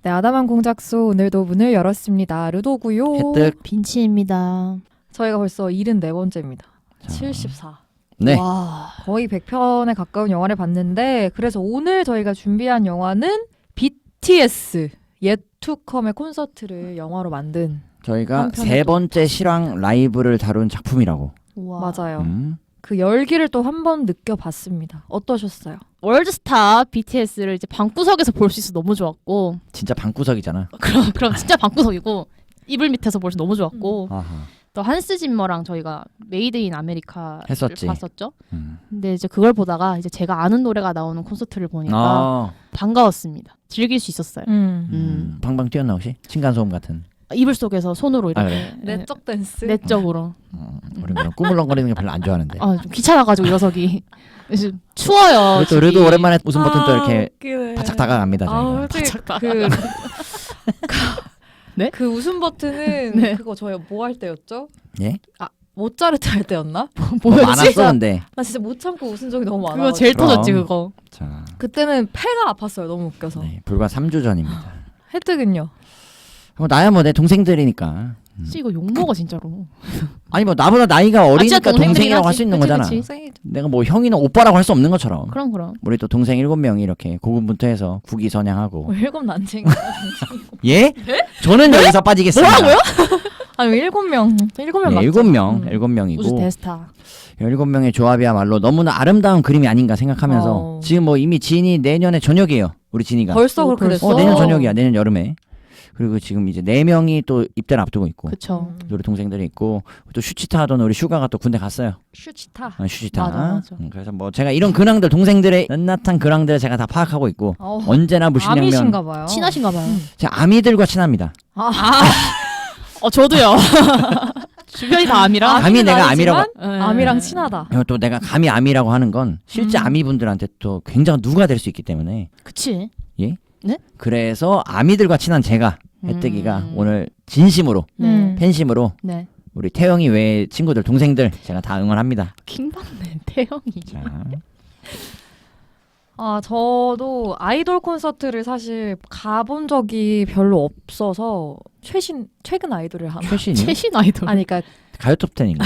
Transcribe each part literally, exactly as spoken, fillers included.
네, 아담한 공작소 오늘도 문을 열었습니다. 르도고요. 혜택. 빈치입니다. 저희가 벌써 칠십사 번째입니다. 자. 칠십사. 네. 와. 거의 백 편에 가까운 영화를 봤는데 그래서 오늘 저희가 준비한 영화는 비티에스 예투컴의 콘서트를 영화로 만든 저희가 한편에 세 또 번째 실황 라이브를 다룬 작품이라고. 우와. 맞아요. 음. 그 열기를 또 한 번 느껴봤습니다. 어떠셨어요? 월드스타 비티에스를 이제 방구석에서 볼 수 있어 너무 좋았고 진짜 방구석이잖아. 그럼 그럼 진짜 방구석이고 이불 밑에서 볼 수 너무 좋았고 아하. 또 한스 짐머랑 저희가 메이드 인 아메리카를 했었지. 봤었죠. 음. 근데 이제 그걸 보다가 이제 제가 아는 노래가 나오는 콘서트를 보니까 아. 반가웠습니다. 즐길 수 있었어요. 음. 음. 방방 뛰었나 혹시? 층간소음 같은. 이불 속에서 손으로 이렇게 아, 그래? 내적 댄스. 내적으로. 어, 우리 그런 꾸물렁거리는 게 별로 안 좋아하는데. 아, 좀 귀찮아가지고 녀석이. 그래서 추워요. 그리고 또 집이. 르도 오랜만에 웃음 버튼 또 이렇게 웃기네. 바짝 다가갑니다. 저희가. 아, 솔직히 바짝 그, 네? 그 웃음 버튼은 네. 그거 저희 뭐 할 때였죠? 예? 모짜르트 할 때였나? 뭐 뭐였지? 많았어 근데. 나 진짜 못 참고 웃은 적이 너무 많아. 그거 제일 그럼. 터졌지 그거. 자, 그때는 폐가 아팠어요. 너무 웃겨서. 네, 불과 삼 주 전입니다. 혜택은요? 뭐 나야 뭐 내 동생들이니까. 음. 씨 이거 욕 먹어 진짜로. 아니 뭐 나보다 나이가 어리니까 진짜 동생들이긴 동생이라고 할 하지. 수 있는 그치, 거잖아. 그치. 생일 내가 뭐 형이나 오빠라고 할 수 없는 것처럼. 그럼 그럼. 우리 또 동생 일곱 명이 이렇게 고군분투해서 국위선양하고. 뭐 일곱 난쟁이. 예? 저는 여기서 빠지겠습니다. 뭐라고요? 아니 일곱 명. 일곱 명 네, 맞죠? 일곱 명, 음. 일곱 명이고 우주 대스타. 일곱 명의 조합이야말로 너무나 아름다운 그림이 아닌가 생각하면서 어. 지금 뭐 이미 진이 내년에 저녁이에요. 우리 진이가. 벌써 어, 그렇게 벌써? 됐어? 어 내년 저녁이야. 내년 여름에. 그리고 지금 이제 네 명이 또 입대를 앞두고 있고. 그쵸. 음. 우리 동생들이 있고 또 슈치타 하던 우리 슈가가 또 군대 갔어요. 슈치타. 어, 슈치타. 맞아, 맞아. 음, 그래서 뭐 제가 이런 근황들 동생들의 낱낱한 근황들을 제가 다 파악하고 있고 어, 언제나 무신양면 아미신가 봐요. 친하신가 봐요. 음. 제가 아미들과 친합니다. 아, 어 저도요. 주변이 다 아미라. 아미 아미는 내가 아니지만 아미라고. 네. 아미랑 친하다. 그리고 또 내가 감히 아미라고 하는 건 실제 음. 아미분들한테 또 굉장히 누가 될 수 있기 때문에 그치. 그래서 아미들과 친한 제가 혜택이가 음. 오늘 진심으로 네. 음. 팬심으로 네. 우리 태영이 외의 친구들 동생들 제가 다 응원합니다. 킹받네 태영이. 자, 아, 저도 아이돌 콘서트를 사실 가본 적이 별로 없어서 최신 최근 아이돌을 하나. 최신이 최신 아이돌. 아니 그러니까 가요 톱텐인가?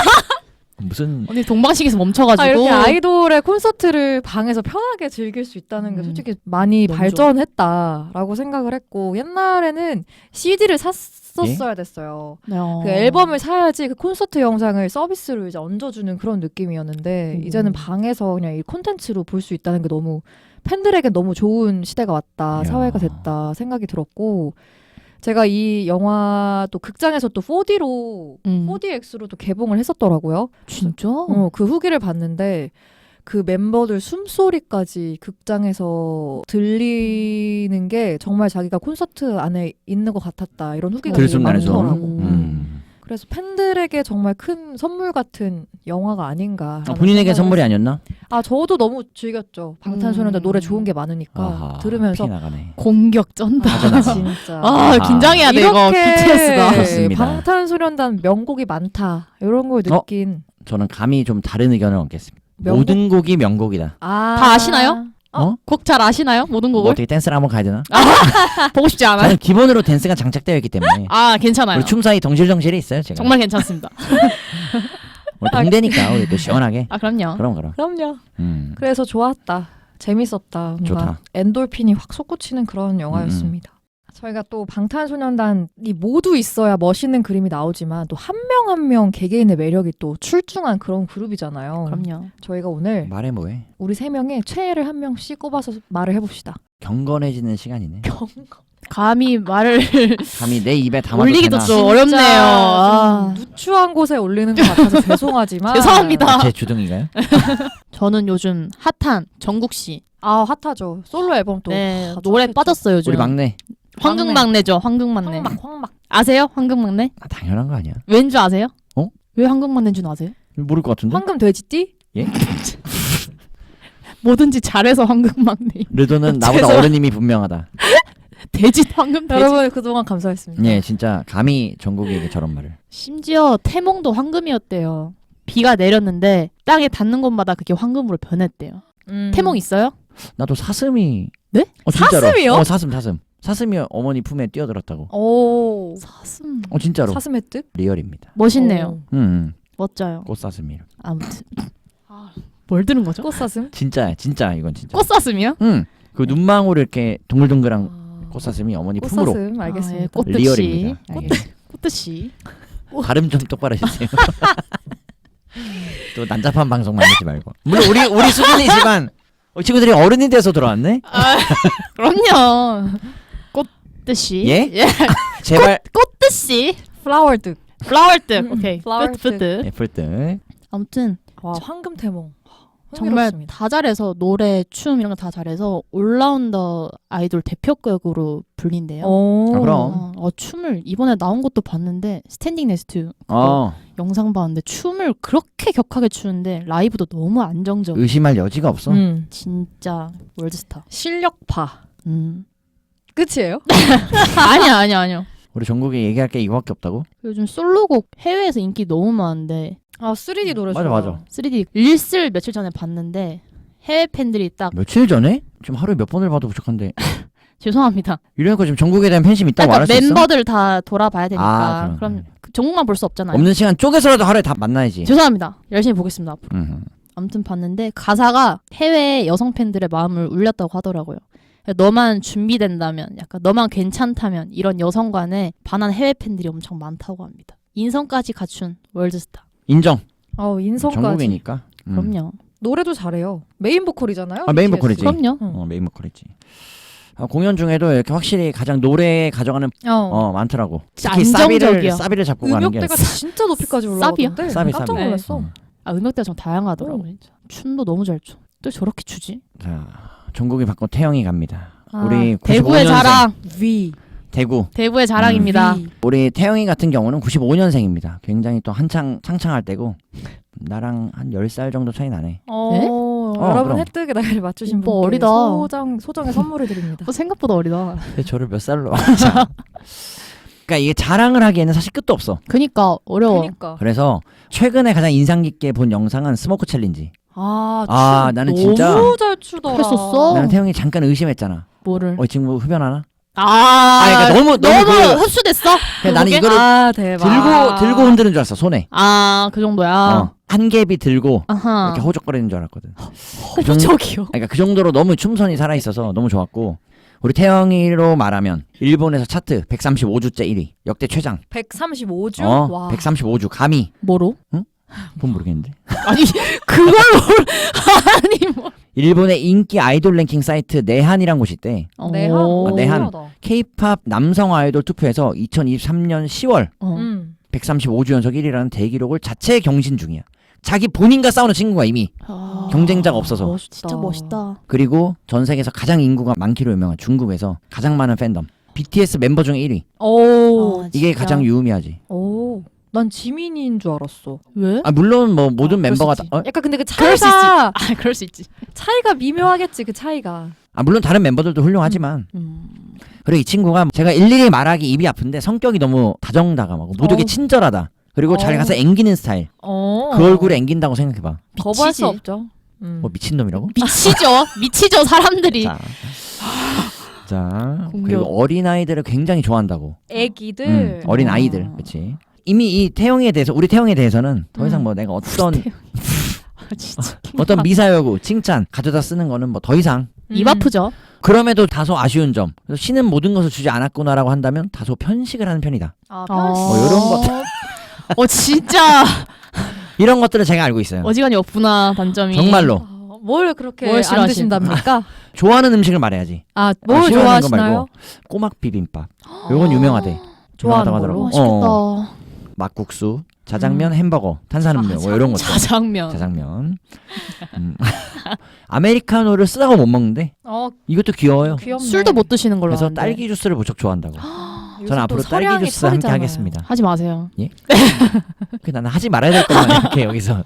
무슨 언니 동방식에서 멈춰가지고. 아, 이렇게 아이돌의 콘서트를 방에서 편하게 즐길 수 있다는 게 음. 솔직히 많이 너무 발전했다라고 생각을 했고 옛날에는 씨디를 샀었어야 됐어요. 어. 그 앨범을 사야지 그 콘서트 영상을 서비스로 이제 얹어주는 그런 느낌이었는데 오. 이제는 방에서 그냥 이 콘텐츠로 볼 수 있다는 게 너무 팬들에게 너무 좋은 시대가 왔다, 이야. 사회가 됐다 생각이 들었고 제가 이 영화 또 극장에서 또 포디로 음. 포디엑스로 또 개봉을 했었더라고요. 진짜? 어, 그 후기를 봤는데 그 멤버들 숨소리까지 극장에서 들리는 게 정말 자기가 콘서트 안에 있는 것 같았다 이런 후기가 되게 들숨날숨. 많더라고. 음. 그래서 팬들에게 정말 큰 선물 같은 영화가 아닌가. 아, 본인에게 선물이 아니었나? 아 저도 너무 즐겼죠. 방탄소년단 음. 노래 좋은 게 많으니까 아하, 들으면서 피 나가네. 공격 쩐다. 아, 진짜. 아, 아하. 긴장해야 돼 이거 비티에스가. 좋습니다. 방탄소년단 명곡이 많다 이런 걸 어? 느낀. 저는 감히 좀 다른 의견을 얻겠습니다. 명곡? 모든 곡이 명곡이다. 아. 다 아시나요? 어? 곡 잘 아시나요? 모든 뭐 곡을? 어떻게 댄스를 한번 가야 되나? 보고 싶지 않아요? 저는 기본으로 댄스가 장착되어 있기 때문에 아 괜찮아요. 우리 춤 사이 덩실덩실이 있어요. 제가. 정말 괜찮습니다. 우리 동대니까 우리 또 시원하게. 아 그럼요. 그럼 그럼. 그럼요. 음. 그래서 좋았다. 재밌었다. 뭔가 좋다. 엔돌핀이 확 솟구치는 그런 영화였습니다. 저희가 또 방탄소년단이 모두 있어야 멋있는 그림이 나오지만 또 한 명 한 명 개개인의 매력이 또 출중한 그런 그룹이잖아요. 그럼요. 저희가 오늘 말해 뭐해? 우리 세 명의 최애를 한 명씩 꼽아서 말을 해봅시다. 경건해지는 시간이네. 감히 말을 감히 내 입에 담아도 올리기도 되나? 좀 어렵네요. 아. 좀 누추한 곳에 올리는 것 같아서 죄송하지만 죄송합니다. 아, 제 주둥이가요? 저는 요즘 핫한 정국 씨. 아 핫하죠. 솔로 앨범 또 네, 다 노래 좋겠죠. 빠졌어요 요즘. 우리 막내. 황금막내죠. 황금막내. 황막 황막. 아세요? 황금막내? 아, 당연한 거 아니야? 왠 줄 아세요? 어? 왜 황금막내인 줄 아세요? 모를 것 같은데? 황금 돼지띠? 예? 뭐든지 잘해서 황금막내. 르도는 나보다 죄송- 어른임이 분명하다. 돼지 황금 돼지. 여러분 그동안 감사했습니다. 예, 진짜 감히 정국이에게 저런 말을. 심지어 태몽도 황금이었대요. 비가 내렸는데 땅에 닿는 곳마다 그게 황금으로 변했대요. 음. 태몽 있어요? 나도 사슴이. 네? 어, 진짜로. 사슴이요? 어, 사슴 사슴. 사슴이 어머니 품에 뛰어들었다고. 오. 사슴. 어 진짜로. 사슴 획득? 리얼입니다. 멋있네요. 오. 음, 음. 멋져요. 꽃사슴이. 아무튼. 아, 뭘 들은 거죠? 꽃사슴? 진짜야, 진짜 이건 진짜. 꽃사슴이요? 응. 그 눈망울 이렇게 동글동글한 아. 꽃사슴이 어머니 품으로. 꽃사슴 알겠습니다. 아, 예, 꽃- 리얼입니다. 꽃- 예. 꽃듯이. 발음 좀 똑바로 해주세요. 또 난잡한 방송 만들지 말고. 물론 우리 우리 수준이지만 어, 친구들이 어른이 돼서 들어왔네. 아, 그럼요. 꽃듯이. 예? 제발. 꽃듯이. 플라워 득. 플라워 뜻. 음, 오케이. flower 뜻, 뜻, 뜻. 애플 등. 아무튼 와 황금 태몽. 정말 흥미롭습니다. 다 잘해서 노래, 춤 이런 거 다 잘해서 올라운더 아이돌 대표격으로 불린대요. 오. 아, 그럼. 어, 어, 춤을 이번에 나온 것도 봤는데 스탠딩 네스트 어. 영상 봤는데 춤을 그렇게 격하게 추는데 라이브도 너무 안정적. 의심할 여지가 없어. 음. 진짜 월드스타. 실력파. 음. 끝이에요? 아니야 아니야 아니야. 우리 전국에 얘기할 게 이거밖에 없다고? 요즘 솔로곡 해외에서 인기 너무 많은데 아 쓰리디 노래 맞아, 좋아. 맞아. 쓰리디 릴스를 며칠 전에 봤는데 해외 팬들이 딱 며칠 전에? 지금 하루에 몇 번을 봐도 부족한데. 죄송합니다. 이러니까 지금 전국에 대한 팬심이 있다고 그러니까 말할 수 있어? 멤버들 다 돌아봐야 되니까 아, 그럼. 그럼 그 전국만 볼 수 없잖아요. 없는 시간 쪼개서라도 하루에 다 만나야지. 죄송합니다. 열심히 보겠습니다. 앞으로. 음. 아무튼 봤는데 가사가 해외 여성 팬들의 마음을 울렸다고 하더라고요. 너만 준비된다면, 약간 너만 괜찮다면 이런 여성 간에 반한 해외 팬들이 엄청 많다고 합니다. 인성까지 갖춘 월드스타. 인정. 어 인성까지. 전국이니까. 음. 그럼요. 노래도 잘해요. 메인 보컬이잖아요. 아, 메인 비티에스. 보컬이지. 그럼요. 응. 어, 메인 보컬이지. 아, 공연 중에도 이렇게 확실히 가장 노래에 가져가는 어. 어 많더라고. 진짜 특히 사비를 안정적이야. 사비를 잡고 가는 게 음역대가 진짜 높이까지 사비요? 올라가던데 사비, 깜짝 사비. 놀랐어. 음. 아, 음역대가 좀 다양하더라고. 어. 진짜. 춤도 너무 잘 춰. 또 저렇게 추지? 자, 전국이 바꿔 태영이 갑니다. 아, 우리 대구의 구십오 년생. 자랑. 위. 대구. 대구의 자랑입니다. 위. 우리 태영이 같은 경우는 구십오 년생입니다. 굉장히 또 한창 창창할 때고 나랑 한 열 살 정도 차이 나네. 어, 네? 여러분 그럼. 혜택의 나이를 맞추신 오빠 분께 어리다. 소정 소정의 선물을 드립니다. 어, 생각보다 어리다. 근데 저를 몇 살로? 자. 그러니까 이게 자랑을 하기에는 사실 끝도 없어. 그니까 어려워. 그러니까. 그래서 최근에 가장 인상 깊게 본 영상은 스모크 챌린지. 아, 아, 춤 나는 너무 진짜 잘 추더라. 했었어? 나는 태영이 잠깐 의심했잖아. 뭐를? 어 지금 뭐 흡연하나? 아, 아, 그러니까 너무 너무 너무 그, 흡수됐어? 그냥 나는 그게? 이거를 아, 대박. 들고 들고 흔드는 줄 알았어 손에. 아, 그 정도야. 어, 한 갭이 들고 아하. 이렇게 호적거리는 줄 알았거든. 그 정도- 호적이요. 그러니까 그 정도로 너무 춤선이 살아 있어서 너무 좋았고 우리 태영이로 말하면 일본에서 차트 백삼십오 주째 일 위 역대 최장. 백삼십오 주? 어, 와. 백삼십오 주 감히. 뭐로? 그건 모르겠는데. 아니, 그걸 뭘 아니 뭐. 일본의 인기 아이돌 랭킹 사이트 내한이란 곳이 있대. 내한. 오. 아, 내한. 신기하다. K-팝 남성 아이돌 투표에서 이천이십삼 년 시월 어. 음. 백삼십오 주 연속 일 위라는 대기록을 자체 경신 중이야. 자기 본인과 싸우는 친구가 이미. 아, 경쟁자가 없어서. 멋있다. 진짜 멋있다. 그리고 전 세계에서 가장 인구가 많기로 유명한 중국에서 가장 많은 팬덤. 비티에스 멤버 중에 일 위. 오. 아, 이게 진짜. 가장 유의미하지. 오. 난 지민인 줄 알았어. 왜? 아 물론 뭐 모든 아, 멤버가 그럴 수 다, 어? 약간 근데 그 그럴 수 차이가 아, 그럴 수 있지. 차이가 미묘하겠지 그 차이가. 아 물론 다른 멤버들도 훌륭하지만 음. 그리고 이 친구가 제가 일일이 말하기 입이 아픈데 성격이 너무 다정다감하고 모두에게 어. 친절하다. 그리고 잘 어. 가서 앵기는 스타일. 어. 그 얼굴에 앵긴다고 생각해봐. 거부할 미치지. 수 없죠. 음. 뭐 미친놈이라고? 미치죠. 미치죠, 사람들이. 자, 자 공격. 그리고 어린 아이들을 굉장히 좋아한다고. 애기들. 음, 어린 아. 아이들, 그렇지. 이미 이 태영이에 대해서 우리 태영이에 대해서는 더 이상 음. 뭐 내가 어떤 아, 진짜. 어떤 미사여구, 칭찬 가져다 쓰는 거는 뭐 더 이상. 입 아프죠? 그럼에도 다소 아쉬운 점. 그래서 신은 모든 것을 주지 않았구나라고 한다면 다소 편식을 하는 편이다. 아, 어, 편식. 뭐 이런 것들. 어, 진짜 이런 것들을 제가 알고 있어요. 어지간히 없구나, 단점이. 정말로 아, 뭘 그렇게 뭘 안 싫어하시- 드신답니까? 좋아하는 음식을 말해야지. 아, 뭘 아, 싫어하는 거 좋아하시나요? 말고 꼬막 비빔밥. 요건 유명하대. 좋아하는 유명하다고 걸로? 하더라고. 맛있겠다. 어, 막국수, 자장면, 햄버거, 탄산음료 뭐 이런 것들. 자장면. 자장면. 음. 아메리카노를 쓰다가 못 먹는데 어, 이것도 귀여워요. 귀엽네. 술도 못 드시는 걸로 그래서 아는데. 딸기 주스를 무척 좋아한다고. 요즘 저는 또 앞으로 딸기 서량이 주스 함께 철이잖아요. 하겠습니다. 하지 마세요. 그 나는 하지 말아야 될 것만 이렇게 여기서.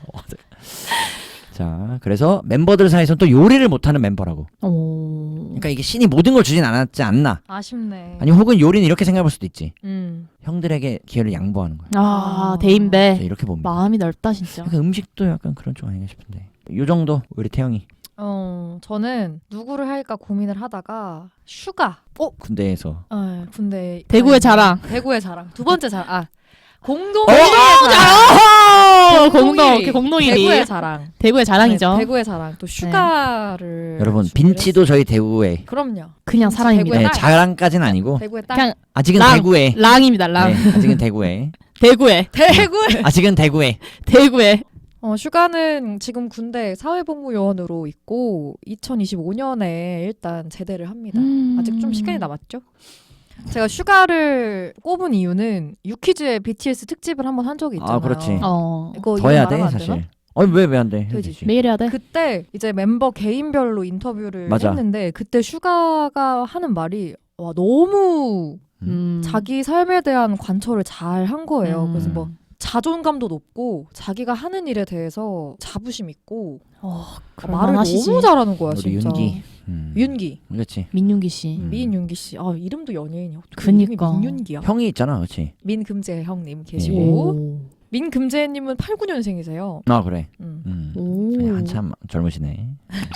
자, 그래서 멤버들 사이에서는 또 요리를 못하는 멤버라고. 오. 그러니까 이게 신이 모든 걸 주진 않았지 않나. 아쉽네. 아니 혹은 요리는 이렇게 생각할 수도 있지. 음. 형들에게 기회를 양보하는 거야. 아, 아. 대인배. 이렇게 봅니다. 마음이 넓다, 진짜. 그러니까 음식도 약간 그런 쪽 아닌가 싶은데. 요 정도 우리 태영이. 어, 저는 누구를 할까 고민을 하다가 슈가. 어, 군대에서. 아, 군대 대구의 아니, 자랑. 대구의 자랑. 두 번째 자랑. 아, 공동 어, 대구의 자랑. 공동, 일 위. 공동 일 위. 대구의 자랑. 대구의 자랑이죠. 네, 대구의 자랑. 또 슈가를 여러분 준비를 빈치도 저희 대구에. 했- 그럼요. 그냥 진짜 사랑입니다. 네, 딸. 자랑까지는 아니고 대구의 딸. 그냥 아직은 랑. 대구에. 랑입니다. 랑. 네, 아직은 대구에. 대구에. 대구의 아직은 대구에. 대구에. 어, 슈가는 지금 군대 사회복무요원으로 있고 이천이십오 년에 일단 제대를 합니다. 음. 아직 좀 시간이 남았죠? 제가 슈가를 꼽은 이유는 유퀴즈의 비티에스 특집을 한번 한 적이 있잖아요. 아, 그렇지. 어. 이거 더 해야 이거 돼 말하면 안 되나? 사실. 아니 왜왜 안 돼? 되지. 되지. 매일 해야 돼? 그때 이제 멤버 개인별로 인터뷰를 맞아. 했는데 그때 슈가가 하는 말이 와 너무 음. 음. 자기 삶에 대한 관철을 잘 한 거예요. 음. 그래서 뭐 자존감도 높고 자기가 하는 일에 대해서 자부심 있고 어, 말을 그럴만하시지. 너무 잘하는 거야 우리 진짜. 윤기. 음. 윤기. 그렇지. 민윤기 씨. 음. 민윤기 씨. 아 이름도 연예인이야. 어떻게 그니까. 이름이 민윤기야. 형이 있잖아, 그렇지. 민금재 형님 예. 계시고 오. 민금재님은 팔십구 년생이세요. 아 그래. 음. 음. 오. 네, 한참 젊으시네.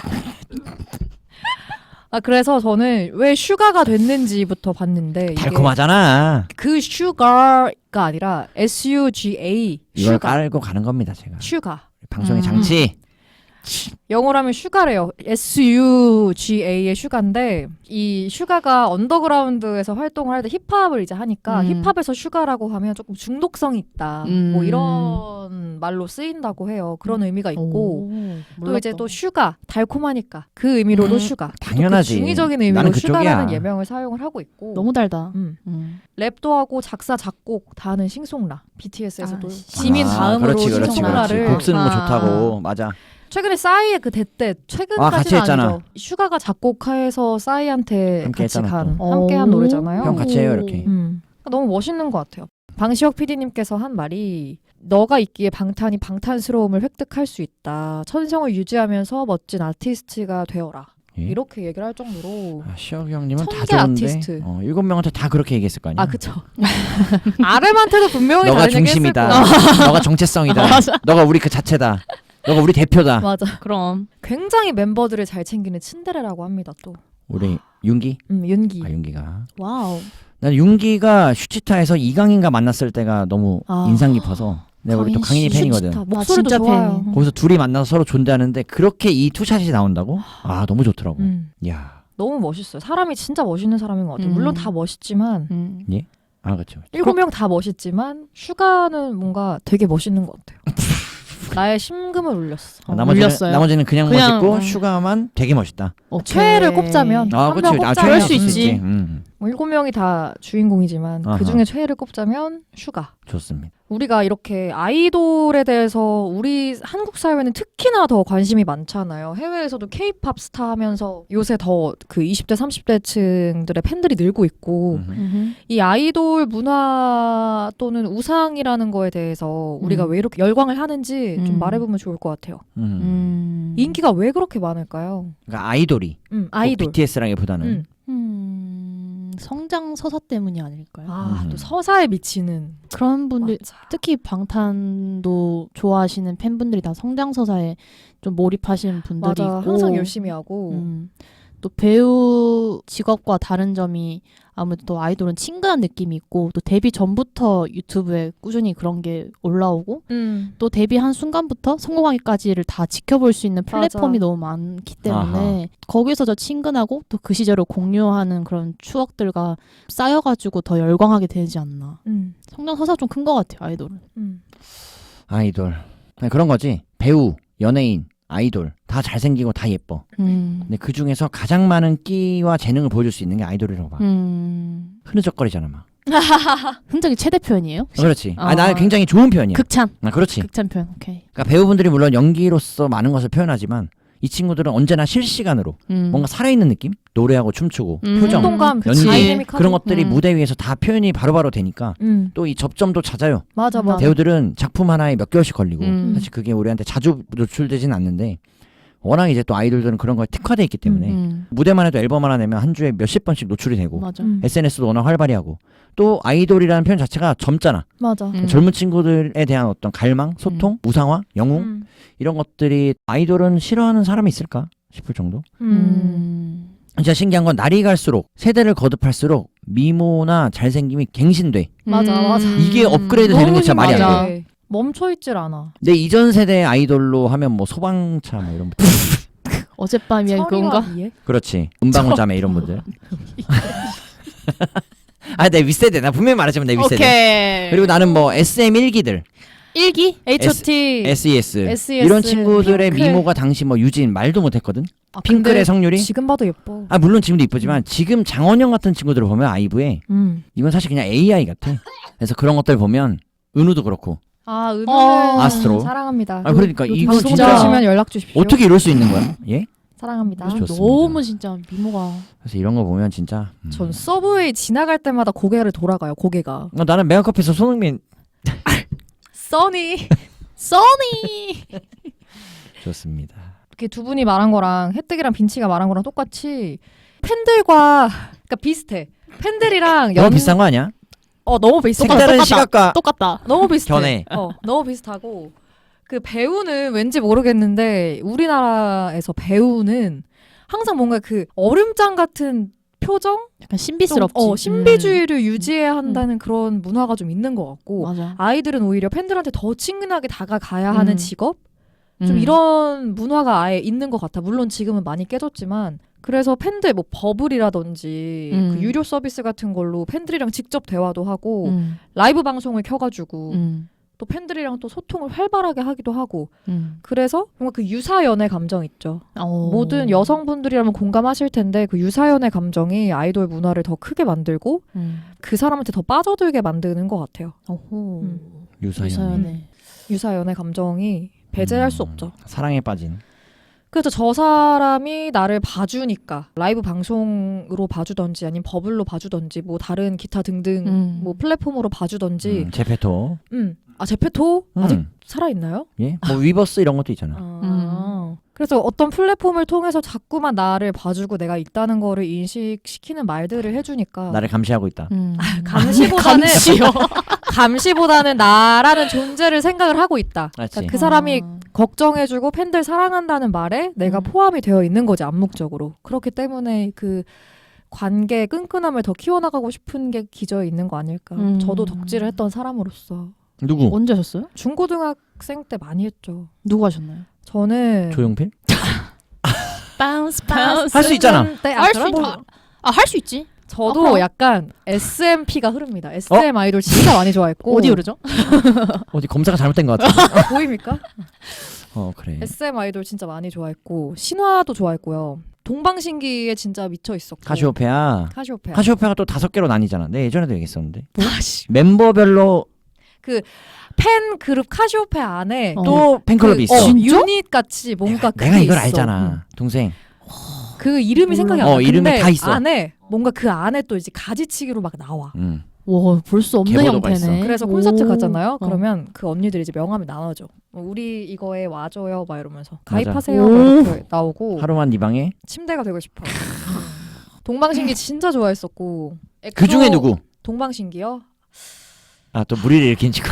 아 그래서 저는 왜 슈가가 됐는지부터 봤는데 이게 달콤하잖아. 그 슈가가 아니라 에스 유 지 에이 이걸 슈가 깔고 가는 겁니다, 제가. 슈가 방송의 음. 장치. 영어로 하면 슈가래요. 에스 유 지 에이의 슈가인데 이 슈가가 언더그라운드에서 활동을 할 때 힙합을 이제 하니까 음. 힙합에서 슈가라고 하면 조금 중독성이 있다. 음. 뭐 이런 말로 쓰인다고 해요. 그런 의미가 있고 오, 또 이제 또 슈가 달콤하니까 그 의미로도 음. 슈가 당연하지. 또 그 중의적인 의미로 나는 그쪽이야. 슈가라는 예명을 사용을 하고 있고 너무 달다. 음. 음. 랩도 하고 작사 작곡 다 하는 싱송라 비티에스에서도 아, 지민 아, 다음으로 그렇지, 그렇지, 싱송라를 그렇지. 곡 쓰는 거 아. 좋다고. 맞아. 최근에 싸이의 그 대때 아, 같이 최근까지는 했잖아. 아니죠. 슈가가 작곡해서 싸이한테 함께 같이 했잖아, 간 또. 함께한 오. 노래잖아요. 형 같이 해요, 이렇게. 음. 너무 멋있는 것 같아요. 방시혁 피디님께서 한 말이 너가 있기에 방탄이 방탄스러움을 획득할 수 있다. 천성을 유지하면서 멋진 아티스트가 되어라. 예? 이렇게 얘기를 할 정도로 아, 시혁이 형님은 다 천재 좋은데 아티스트. 어, 일곱 명한테 다 그렇게 얘기했을 거 아니야. 아 그쵸. 아름한테도 분명히 너가 다른 얘기 했을 중심이다. 거야. 너가 정체성이다. 맞아. 너가 우리 그 자체다. 너가 우리 대표다. 맞아. 그럼. 굉장히 멤버들을 잘 챙기는 츤데레라고 합니다. 또 우리 윤기? 음, 윤기. 아 윤기가. 와우. 난 윤기가 슈치타에서 이강인과 만났을 때가 너무 아. 인상 깊어서 내가 우리 또 강인이 씨, 팬이거든. 슈치타. 목소리도 진짜 좋아요. 팬. 거기서 둘이 만나서 서로 존대하는데 그렇게 이 투샷이 나온다고? 아 너무 좋더라고. 음. 야, 너무 멋있어요. 사람이 진짜 멋있는 사람인 것 같아요. 음. 물론 다 멋있지만 음. 아 그렇죠. 일곱 명 다 멋있지만 슈가는 뭔가 되게 멋있는 것 같아요. 나의 심금을 울렸어. 어, 나머지는 울렸어요. 나머지는 그냥, 그냥, 멋있고 음. 슈가만 되게 멋있다. 오케이. 최애를 꼽자면 아 한 그렇지. 명 아, 꼽자면 그럴 수 있지. 음, 뭐 일곱 명이 다 주인공이지만 아하. 그 중에 최애를 꼽자면 슈가. 좋습니다. 우리가 이렇게 아이돌에 대해서 우리 한국 사회는 특히나 더 관심이 많잖아요. 해외에서도 케이팝 스타 하면서 요새 더 그 이십 대 삼십 대층들의 팬들이 늘고 있고 음. 음흠. 이 아이돌 문화 또는 우상이라는 거에 대해서 우리가 음. 왜 이렇게 열광을 하는지 좀 음. 말해보면 좋을 것 같아요. 음. 음. 인기가 왜 그렇게 많을까요? 그러니까 아이돌이 음, 아이돌. 비티에스라기보다는 음. 음. 성장 서사 때문이 아닐까요? 아, 음. 또 서사에 미치는. 그런 분들 맞아. 특히 방탄도 좋아하시는 팬분들이 다 성장 서사에 좀 몰입하시는 분들이 맞아. 있고 항상 열심히 하고. 음, 또 배우 직업과 다른 점이 아무래도 또 아이돌은 친근한 느낌이 있고 또 데뷔 전부터 유튜브에 꾸준히 그런 게 올라오고 음. 또 데뷔한 순간부터 성공하기까지를 다 지켜볼 수 있는 플랫폼이 맞아. 너무 많기 때문에 거기서 더 친근하고 또 그 시절을 공유하는 그런 추억들과 쌓여가지고 더 열광하게 되지 않나. 음. 성장 서사가 좀 큰 것 같아요, 아이돌은. 음. 아이돌 그냥 그런 거지. 배우, 연예인, 아이돌 다 잘생기고 다 예뻐. 음. 근데 그 중에서 가장 많은 끼와 재능을 보여줄 수 있는 게 아이돌이라고 봐. 음. 흐느적거리잖아 막. 흔적이 최대 표현이에요? 어, 그렇지. 아, 아. 나는 굉장히 좋은 표현이야. 극찬. 아, 그렇지. 극찬 표현. 오케이. 그러니까 배우분들이 물론 연기로서 많은 것을 표현하지만 이 친구들은 언제나 실시간으로 음. 뭔가 살아있는 느낌? 노래하고 춤추고 음. 표정, 운동감, 연기 다이내믹하고. 그런 것들이 음. 무대 위에서 다 표현이 바로바로 되니까 음. 또 이 접점도 잦아요. 맞아, 맞아. 배우들은 작품 하나에 몇 개월씩 걸리고 음. 사실 그게 우리한테 자주 노출되진 않는데 워낙 이제 또 아이돌들은 그런 거에 특화돼 있기 때문에 음. 무대만 해도 앨범 하나 내면 한 주에 몇십 번씩 노출이 되고 맞아. 음. 에스엔에스도 워낙 활발히 하고 또 아이돌이라는 표현 자체가 젊잖아. 맞아. 음. 젊은 친구들에 대한 어떤 갈망, 소통, 우상화, 영웅 음. 이런 것들이 아이돌은 싫어하는 사람이 있을까? 싶을 정도. 음. 진짜 신기한 건 날이 갈수록 세대를 거듭할수록 미모나 잘생김이 갱신돼. 맞아, 맞아. 이게 업그레이드 되는 게 진짜 말이 안 맞아. 돼. 멈춰있질 않아. 내 이전 세대 아이돌로 하면 뭐 소방차 뭐 이런 분들. 어젯밤이야 그건가? 위에? 그렇지. 은방울 자매 이런 분들. 아, 내 윗세대. 나 분명히 말하지만 내 윗세대. 오케이. 그리고 나는 뭐 에스엠 일기들, 일기? 에이치 오 티. 에스이에스, 에스이에스, 이런 친구들의 핑클. 미모가 당시 뭐 유진 말도 못했거든. 아, 핑클의 근데 성률이. 지금 봐도 예뻐. 아 물론 지금도 이쁘지만 지금 장원영 같은 친구들을 보면 아이브에 음. 이건 사실 그냥 에이아이 같아. 그래서 그런 것들 보면 은우도 그렇고. 아, 은우는 어. 아스트로. 사랑합니다. 아 그러니까 이거 방송 진짜 들으시면 연락 주십시오. 어떻게 이럴 수 있는 거야? 예? 사랑합니다. 좋습니다. 너무 진짜 미모가. 그래서 이런 거 보면 진짜. 음. 전 서브웨이 지나갈 때마다 고개를 돌아가요. 고개가. 어, 나는 메가커피에서 손흥민 써니. 써니. 좋습니다. 이렇게 두 분이 말한 거랑 혜택이랑 빈치가 말한 거랑 똑같이 팬들과 그러니까 비슷해. 팬들이랑 너무 비싼 거 아니야? 어 너무 비슷해. 똑같아, 색다른 똑같다. 시각과 똑같다. 너무 비슷해. 견해. 어 너무 비슷하고 그 배우는 왠지 모르겠는데 우리나라에서 배우는 항상 뭔가 그 얼음장 같은 표정, 약간 신비스럽지. 좀, 어 신비주의를 유지해야 한다는 그런 문화가 좀 있는 것 음. 같고 맞아. 아이들은 오히려 팬들한테 더 친근하게 다가가야 하는 음. 직업. 좀 음. 이런 문화가 아예 있는 것 같아. 물론 지금은 많이 깨졌지만 그래서 팬들 뭐 버블이라든지 음. 그 유료 서비스 같은 걸로 팬들이랑 직접 대화도 하고 음. 라이브 방송을 켜가지고 음. 또 팬들이랑 또 소통을 활발하게 하기도 하고 음. 그래서 뭔가 그 유사연애 감정 있죠. 어. 모든 여성분들이라면 공감하실 텐데 그 유사연애 감정이 아이돌 문화를 더 크게 만들고 음. 그 사람한테 더 빠져들게 만드는 것 같아요. 어호. 음. 유사연. 유사연애. 유사연애 감정이 배제할 수 없죠. 사랑에 빠진. 그래서 저 사람이 나를 봐주니까 라이브 방송으로 봐주던지 아니면 버블로 봐주던지 뭐 다른 기타 등등 음. 뭐 플랫폼으로 봐주던지 음, 제페토. 음. 아 제페토 아직 음. 살아있나요? 예? 뭐 위버스 이런 것도 있잖아. 아. 그래서 어떤 플랫폼을 통해서 자꾸만 나를 봐주고 내가 있다는 거를 인식시키는 말들을 해주니까 나를 감시하고 있다. 음. 감시보다는 감시요. 감시보다는 나라는 존재를 생각을 하고 있다. 맞지. 그러니까 그 사람이 아. 걱정해주고 팬들 사랑한다는 말에 내가 음. 포함이 되어 있는 거지 암묵적으로. 그렇기 때문에 그 관계의 끈끈함을 더 키워나가고 싶은 게 기저에 있는 거 아닐까. 음. 저도 덕질을 했던 사람으로서 누구? 언제 하셨어요? 중고등학생 때 많이 했죠. 누구 하셨나요? 저는 조용필? 바운스 바운스. 할 수 있잖아. 할 수 있다. 아, 할 수 있지. 저도 어허. 약간 에스엠피가 흐릅니다. 에스엠 아이돌 진짜 많이 좋아했고 어디 오르죠? 어디 검사가 잘못된 것 같아. 아, 보입니까? 어 그래. 에스엠 아이돌 진짜 많이 좋아했고 신화도 좋아했고요. 동방신기에 진짜 미쳐 있었고. 카시오페아. 카시오페아. 카시오페아가 또 다섯 개로 나뉘잖아. 내 예전에도 얘기했었는데. 다시. 멤버별로 팬 그룹 카시오페아 안에 어. 또 팬클럽이 있어. 어, 진짜? 유닛 같이 뭔가 내가 그게 이걸 있어. 알잖아. 동생. 그 이름이 생각이 안 어, 나. 이름이 근데 다 있어. 안에 뭔가 그 안에 또 이제 가지치기로 막 나와. 음. 와, 볼 수 없는 계보도가 형태네. 있어. 그래서 콘서트 오. 가잖아요. 어. 그러면 그 언니들이 이제 명함을 나눠줘. 어, 우리 이거에 와줘요, 막 이러면서 맞아. 가입하세요, 오. 막 이렇게 나오고 하루만 네 방에. 침대가 되고 싶어. 동방신기 진짜 좋아했었고. 그 중에 누구? 동방신기요? 아 또 무리를 일으킨 친구.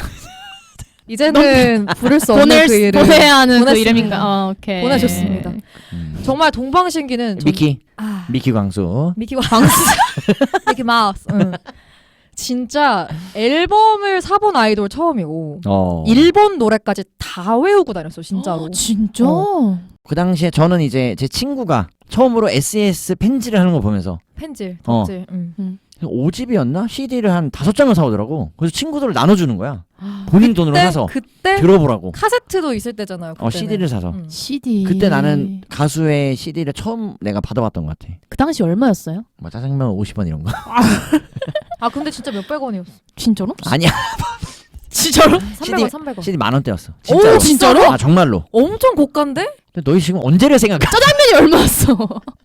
이제는 부를 수 없는 보낼 그 이름 보내야 하는 그 보냈습니다. 이름인가? 어, 오케이. 보내줬습니다. 음. 정말 동방신기는 전- 미키. 아, 미키 광수. 미키 광수 미키 마우스. 응. 진짜 앨범을 사본 아이돌 처음이고 어. 일본 노래까지 다 외우고 다녔어 진짜로. 진짜? 어. 그 당시에 저는 이제 제 친구가 처음으로 에스이에스 펜지를 하는 거 보면서 펜질, 어. 덕질. 응. 오 집이었나? 씨디를 한 다섯 장을 사오더라고. 그래서 친구들을 나눠주는 거야. 본인 돈으로 그때 사서 그때 들어보라고. 카세트도 있을 때잖아요. 어 그때는. 씨디를 사서. 응. 씨디. 그때 나는 가수의 씨디를 처음 내가 받아봤던 것 같아. 그 당시 얼마였어요? 뭐 짜장면 오십 원 이런 거. 아 근데 진짜 몇백 원이었어. 진짜로? 아니야. 진짜로? 삼백 원, 삼백 원. 씨디 만 원대였어. 진짜로. 오, 진짜로? 아 정말로. 엄청 고가인데? 근데 너희 지금 언제를 생각해? 짜장면이 얼마였어?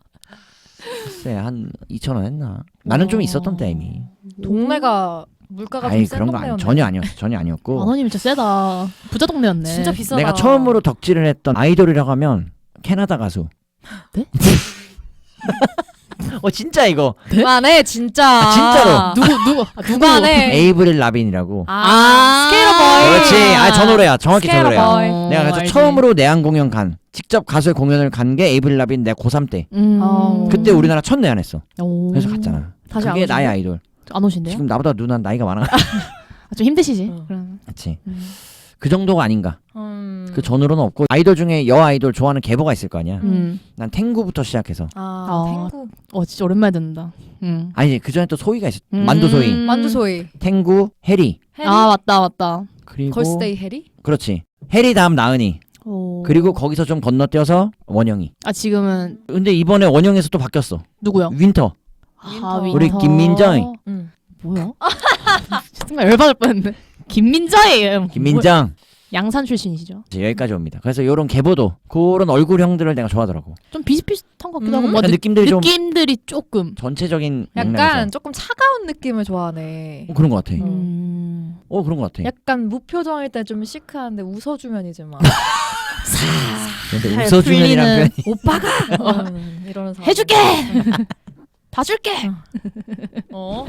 글쎄 한 이천 원 했나? 나는 좀 와. 있었던 때 이미. 동네가 물가가 아이 좀센 그런 거 아니, 동네였네. 전혀 아니었어. 전혀 만 아니었고. 원이면 진짜 세다. 부자 동네였네. 진짜 비싸다. 내가 처음으로 덕질을 했던 아이돌이라고 하면 캐나다 가수. 네? 어 진짜 이거 그만해 진짜. 아, 진짜로. 누구 누구 아, 누구? 그만해. 에이브릴 라빈이라고. 아, 스케일러 보이. 그렇지. 아 저 노래야. 정확히 저 스케일러 노래야. 보이. 어, 내가 그래서 알지. 처음으로 내한 공연 간 직접 가수의 공연을 간 게 에이브릴 라빈 내가 고삼 때. 음. 어. 그때 우리나라 첫 내한했어. 오. 그래서 갔잖아. 다시 안 그게 오신대요? 나의 아이돌. 안 오신대요? 지금 나보다 누나 나이가 많아. 아, 좀 힘드시지. 어. 그럼. 그렇지. 음. 그 정도가 아닌가. 음. 그 전으로는 없고 아이돌 중에 여 아이돌 좋아하는 계보가 있을 거 아니야. 음. 난 탱구부터 시작해서. 아, 어. 탱구. 어 진짜 오랜만에 듣는다. 음. 아니 그 전에 또 소희가 있었. 음. 만두 소희, 만두소이. 탱구, 해리. 해리. 아 맞다 맞다. 그리고 걸스데이 해리? 그렇지. 해리 다음 나은이. 오. 그리고 거기서 좀 건너뛰어서 원영이. 아 지금은 근데 이번에 원영에서 또 바뀌었어. 누구요? 윈터. 아, 윈터. 우리 김민정. 응. 뭐야? 정말 열받을 뻔했네. 김민정이에요. 김민정. 양산 출신이시죠? 이제 여기까지 옵니다. 그래서 이런 계보도 그런 얼굴형들을 내가 좋아하더라고. 좀 비슷비슷한 것 같기도 음. 하고 뭐 약간 느, 느낌들이 좀 느낌들이 조금. 전체적인 약간 맥락에서. 조금 차가운 느낌을 좋아하네. 어, 그런 것 같아. 음. 어 그런 것 같아. 약간 무표정일 때 좀 시크한데 웃어주면 이제 막 근데 잘 웃어주면이란 풀리는- 표현이 오빠가 음, 이러는 사람. 해줄게. 다 줄게. 어?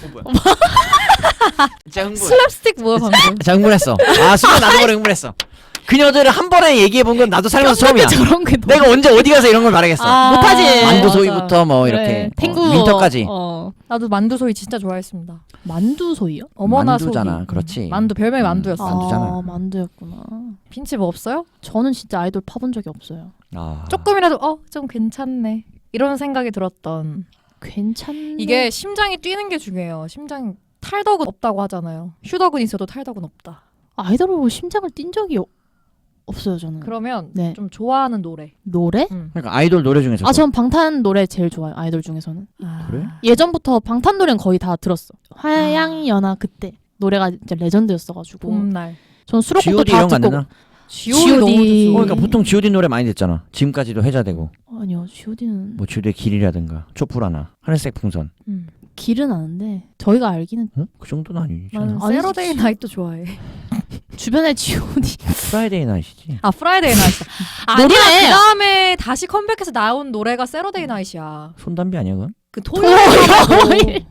진짜 흥분. 슬랩스틱 뭐야 방금? 진짜 흥분했어. 아 순간 나도 모르게 흥분했어. 그녀들을 한 번에 얘기해 본 건 나도 살면서 처음이야. 저런 게 너무 내가 언제 어디 가서 이런 걸 말하겠어. 아, 못하지. 만두 맞아. 소이부터 뭐 그래, 이렇게 탱구 어, 윈터까지. 어. 나도 만두소이 진짜 좋아했습니다. 만두소이요? 어머나 만두잖아. 소이. 그렇지. 만두 별명이 음. 만두였어. 만두잖아. 아, 만두였구나. 빈치 뭐 없어요? 저는 진짜 아이돌 파본 적이 없어요. 아. 조금이라도 어 좀 괜찮네 이런 생각이 들었던. 괜찮네. 이게 심장이 뛰는 게 중요해요. 심장 탈덕은 없다고 하잖아요. 휴덕은 있어도 탈덕은 없다. 아이돌을 보고 심장을 뛴 적이 어- 없어요 저는. 그러면 네. 좀 좋아하는 노래. 노래? 음. 그러니까 아이돌 노래 중에서 아, 전 방탄 노래 제일 좋아요. 아이돌 중에서는. 아. 그래? 예전부터 방탄 노래는 거의 다 들었어. 화양이 연화 그때 노래가 진짜 레전드였어가지고. 봄날. 전 수록곡도 지오디 다 이런 거 안 듣고. 되나? 지오디 너무 좋죠. 어, 그러니까 보통 지오디 노래 많이 듣잖아. 지금까지도 해자되고 아니요, 지오디는 뭐 지오디의 길이라든가 촛불하나 하늘색 풍선. 음. 길은 아는데 저희가 알기는 어? 그 정도는 아니지. 나는 아니, 세러데이 지- 나이트도 좋아해. 주변에 지오디 프라이데이 나이트지. 아 프라이데이 나이트. 아니야 노래! 그 다음에 다시 컴백해서 나온 노래가 세러데이 나이트야. 손담비 아니야 그건? 그 토요일. 토요일.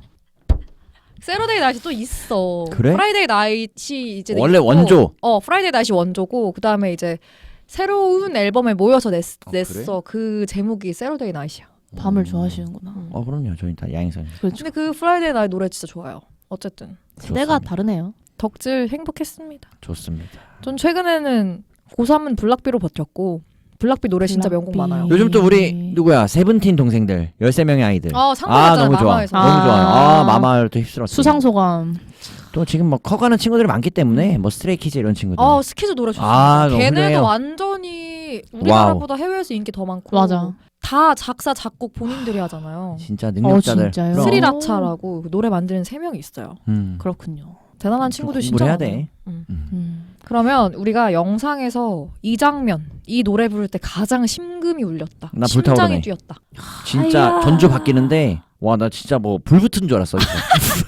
세러데이 나이트 또 있어. 그래? 프라이데이 나이트 이제 원래 있고, 원조? 어 프라이데이 나이트 원조고 그 다음에 이제 새로운 앨범에 모여서 냈, 아, 냈어. 그 제목이 세러데이 나이트야. 밤을 좋아하시는구나. 어 그럼요. 저희 다 야행성. 그렇죠. 근데 그 프라이데이 나이트 노래 진짜 좋아요. 어쨌든 세대가 다르네요. 덕질 행복했습니다. 좋습니다. 전 최근에는 고삼은 블락비로 버텼고 블락비 노래 진짜 명곡 블락비. 많아요. 요즘 또 우리 누구야 세븐틴 동생들 열세 명의 아이들. 어, 상 아 받았잖아, 너무 좋아. 마마에서. 너무 좋아요. 아 아. 마마도 휩쓸었지. 수상소감. 또 지금 뭐 커가는 친구들이 많기 때문에 뭐 스트레이키즈 이런 친구들. 어 스키즈 노래 좋습니다. 아, 너무 걔네도 훌륭해요. 완전히 우리나라보다 해외에서 인기 더 많고 맞아. 다 작사 작곡 본인들이 하잖아요. 진짜 능력자들. 어, 진짜요? 그럼. 스리라차라고 그 노래 만드는 세 명이 있어요. 음. 그렇군요. 대단한 좀 친구들 공부를 진짜 해야 많아요. 돼. 음. 음. 그러면 우리가 영상에서 이 장면, 이 노래 부를 때 가장 심금이 울렸다. 나 심장이 불타오르네. 뛰었다. 진짜 아야. 전주 바뀌는데 와 나 진짜 뭐 불 붙은 줄 알았어. 진짜.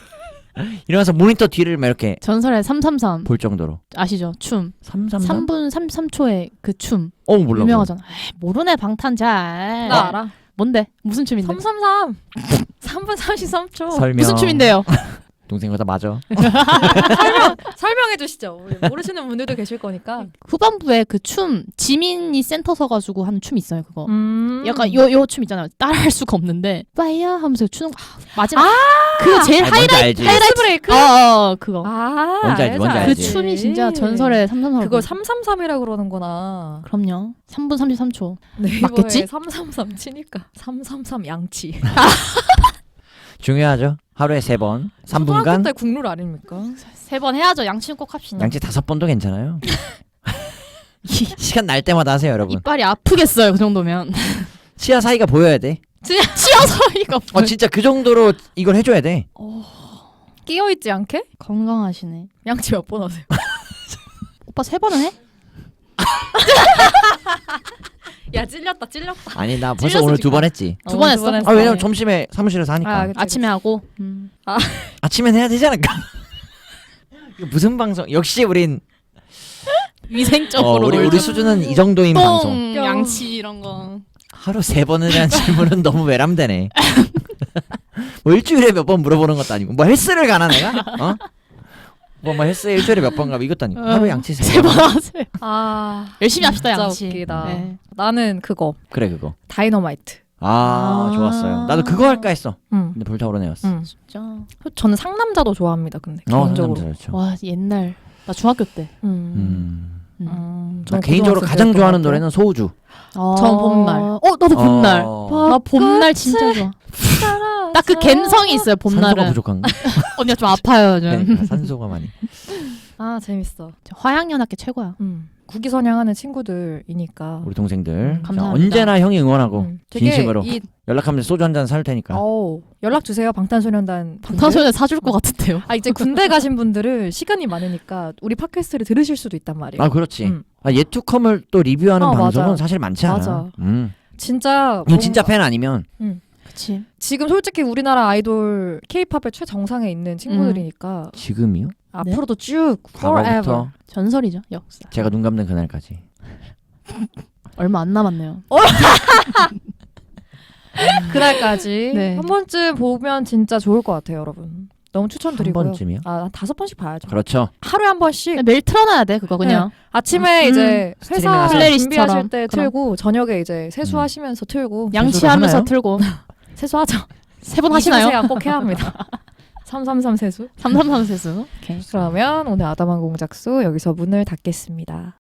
이러면서 모니터 뒤를 막 이렇게 전설의 삼삼삼 볼 정도로. 아시죠? 춤. 삼삼삼? 삼 분 삼십삼 초의 그 춤. 어 몰라. 유명하잖아. 에이, 모르네 방탄 잘. 나 알아. 뭔데? 무슨 춤인데? 삼삼삼. 삼 분 삼십삼 초. 설명. 무슨 춤인데요? 동생보다 맞아. 설명해 주시죠. 우리 모르시는 분들도 계실 거니까. 후반부에 그 춤 지민이 센터 서가지고 하는 춤 있어요. 그거. 음. 약간 요 요 춤 있잖아요. 따라할 수가 없는데 파이어 하면서 추는 거. 아, 마지막 아! 그 제일 아니, 뭔지 알지. 하이라이트 브레이크. 어, 어 그거. 아, 뭔지 알지, 뭔지 그 알지. 춤이 진짜 전설의 삼삼삼. 그걸 삼삼삼이라 그러는구나. 그럼요. 삼 분 삼십삼 초. 네이버에 맞겠지? 삼삼삼 치니까 삼삼삼 양치. 중요하죠. 하루에 세 번, 삼 분간. 초등학교 때 국룰 아닙니까? 세 번 해야죠. 양치는 꼭 합시다. 양치 다섯 번도 괜찮아요. 시간 날 때마다 하세요, 여러분. 이빨이 아프겠어요. 그 정도면. 치아 사이가 보여야 돼. 치어서 이거. 어 진짜 그 정도로 이걸 해줘야 돼. 끼어 있지 않게? 건강하시네. 양치 몇 번 하세요? 오빠 세 번은 해? 야 찔렸다 찔렸다. 아니 나 벌써 찔렸어, 오늘 두 지금. 번 했지. 두 번 했어? 아 왜냐면 점심에 사무실에서 하니까. 아, 그치, 아침에 하고. 음. 아침엔 해야 되지 않을까? 이거 무슨 방송? 역시 우린 어, 위생적으로. 우리 우리 수준은 이 정도인 방송. 똥, 양치 이런 거. 하루 세 번에 대한 질문은 너무 외람되네. 뭐 일주일에 몇 번 물어보는 것도 아니고 뭐 헬스를 가나 내가? 어? 뭐, 뭐 헬스 일주일에 몇 번 가고 이것도 아니고 하루 양치 세 세 번. 번 하세요. 아 열심히 합시다 진짜 양치. 웃기다. 네. 나는 그거 그래 그거. 다이너마이트. 아, 아. 좋았어요. 나도 그거 할까 했어. 음. 근데 불타오르네였어. 음. 진짜. 저는 상남자도 좋아합니다. 근데 어, 개인적으로. 상남자 좋죠. 와 옛날 나 중학교 때. 음. 음. 음. 음. 나 저는 개인적으로 고등학생 가장 때였던 좋아하는 것 같아요. 노래는 소우주. 전 봄날. 어 나도 봄날. 어. 나 봄날 진짜 좋아. 딱 그 감성이 있어요 산소가 봄날은. 부족한가? 언니가 좀 아파요 좀. 그러니까 산소가 많이. 아 재밌어. 화양연합계 최고야. 음. 국기선양하는 친구들이니까. 우리 동생들. 자, 감사합니다. 언제나 형이 응원하고 음. 되게 진심으로 이 연락하면 소주 한 잔 살 테니까. 어우, 연락 주세요 방탄소년단. 분들. 방탄소년단 사줄 것 같은데요. 아 이제 군대 가신 분들은 시간이 많으니까 우리 팟캐스트를 들으실 수도 있단 말이에요. 아 그렇지. 음. 아, 예투컴을 또 리뷰하는 어, 방송은 맞아. 사실 많지 않아. 맞아. 음. 진짜 이건 진짜 뭔가- 팬 아니면 그치. 지금 솔직히 우리나라 아이돌 K-팝의 최정상에 있는 친구들이니까 지금이요? 앞으로도 쭉 forever. 과거부터 전설이죠 역사. 제가 눈 감는 그날까지. 얼마 안 남았네요. 그날까지 네. 한 번쯤 보면 진짜 좋을 것 같아요, 여러분. 너무 한 추천드리고요. 번쯤이요? 아, 한 다섯 번씩 봐야죠. 그렇죠. 하루에 한 번씩. 매일 틀어놔야 돼 그거 그냥. 아침에 음, 이제 스트리밍 회사 하세요. 준비하실 플레이리스트처럼. 때 그럼. 틀고 저녁에 이제 세수하시면서 틀고 양치하면서 하나요? 틀고 세수하죠. 세 번 하시나요? 세안 꼭 해야 합니다. 삼삼삼 세수. 삼삼삼 세수. 오케이. 그러면 오늘 아담한 공작소 여기서 문을 닫겠습니다.